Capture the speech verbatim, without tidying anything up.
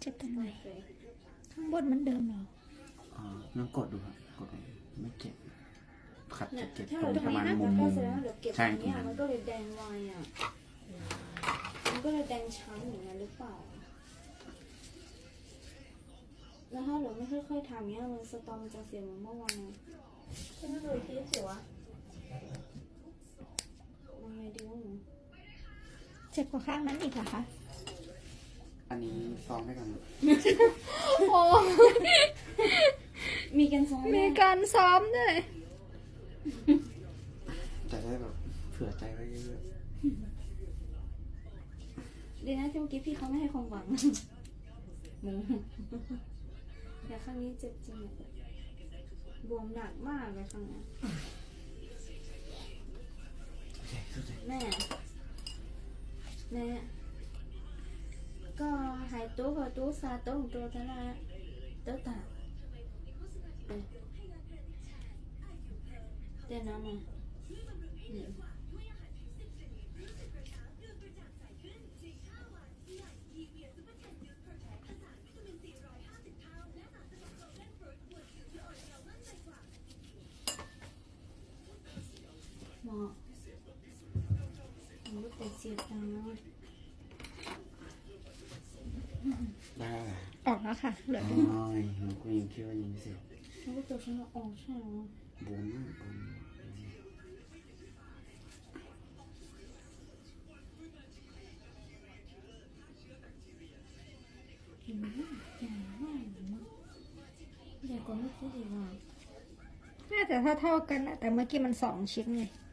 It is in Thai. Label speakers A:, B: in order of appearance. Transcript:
A: จ็บตรงไหนข้างบนมันเดิมเหรอ
B: อ๋อลองกดดูครับกดดูไม่เจ็บขัดจะเจ็บ
C: ถ้า
B: ตร
C: เรา
B: งประมาณ
C: ตรงนี้
B: มุม
C: นะ
B: มุ
C: ก็
B: ม
C: แสดงว่าเดี๋ยวเก็บต
B: ใช่
C: รง
B: ตรง
C: เนี้ย
B: นั้น
C: มันก็เลยแดงไวอ่ะมันก็เลยแดงช้ำอย่างนั้นหรือเปล่าแล้วถ้าเราไม่ค่อยๆทำเนี้ยมันสตอมมันจะเสียเหมือนเมื่อวานใช่ไหมเลยทีเสียวะมันไงดีวะหนู
A: เจ็บกว่าข้างนั้นอีกเหรอคะ
B: อันนี้ซ้อมได้กัน
A: โอ้
C: มีกันซ้อม
A: มีการซ้อมด้วย
B: จะได้แบบเผื่อใจไว้เยอะ
C: ดีนะที่เมื่อกี้พี่เขาไม่ให้ความหวังหมูแต่ครั้งนี้เจ็บจริงอะบวมหนักมากเลยครั้งนี้ แม่แม่ก็หายตัวกับตัวซาตัวของตัวท่านะตัวตาเอ๊ะเดี๋ยวน้ำมาอืมหมอผมก็แต่เสียตังค์แล้ว
B: ๆได้แหละ
A: ออกแล้วค่ะเหลือ
B: โอ้
A: แต่
B: ยหนูก็ยังคิดว่ายังไม่เสร็จ
C: มันก็ตัวฉันละออกใช่ไหม
B: บวมมากบวม
C: อืมใหญ่มากใหญ่กว่าเมื่อกี้อีกอ่ะ
A: น่าจะเท่าๆกันนะแต่เมื่อกี้มันสองชิ้นไง